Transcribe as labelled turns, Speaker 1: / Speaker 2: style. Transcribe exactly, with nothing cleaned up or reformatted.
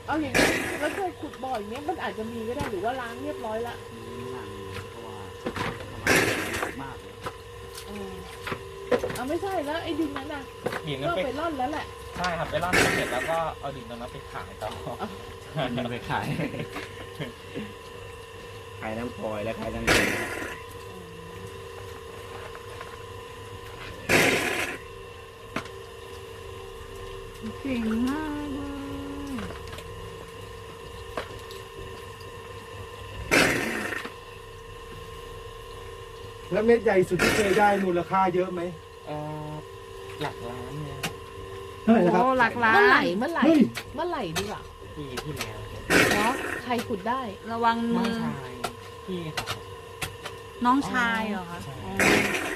Speaker 1: เอาอย่างนี้แล้วเคยขุดบ่ออย่างเงี้ยมันอาจจะมีก็ได้หรือว่าล้างเรียบร้อยละ
Speaker 2: มีหนังเพราะว่าทำไมมากเลย
Speaker 1: เออเอาไม่ใช่แล้วไอ้ดินนั้นน่ะ
Speaker 3: ดิน
Speaker 1: ก็
Speaker 3: นั้นไป
Speaker 1: ไปร่อนแล้วแหละ
Speaker 3: ใช่ครับไปร่อนเสร็จแล้วก็เอาดินตรงนั้นไปขายต่อ
Speaker 2: มีไปขายขายน้ำพลอยและขายน้ำเย็น
Speaker 4: เก่งมากเลย
Speaker 5: แล้วเม็ดใหญ่สุดที่เคยได้มูลค่าเยอะไหม
Speaker 3: เอ่อหลักล้านเนี่ย
Speaker 5: เท่าไหร่นะครับ
Speaker 4: โอ้หลักล้า
Speaker 1: เมื่อไหร่
Speaker 4: น
Speaker 1: เมื่อไหร่
Speaker 5: เฮ้ย
Speaker 1: เมื่อไหร่ดีกว่า
Speaker 3: ปีที่แล้ว
Speaker 1: เนาะใครขุดได้
Speaker 4: ระวัง
Speaker 3: น้
Speaker 4: มื
Speaker 3: อง
Speaker 4: อ
Speaker 3: ชายพี่ครับ
Speaker 4: น้องชายเหรอคะ
Speaker 3: ใช่
Speaker 4: อ๋อ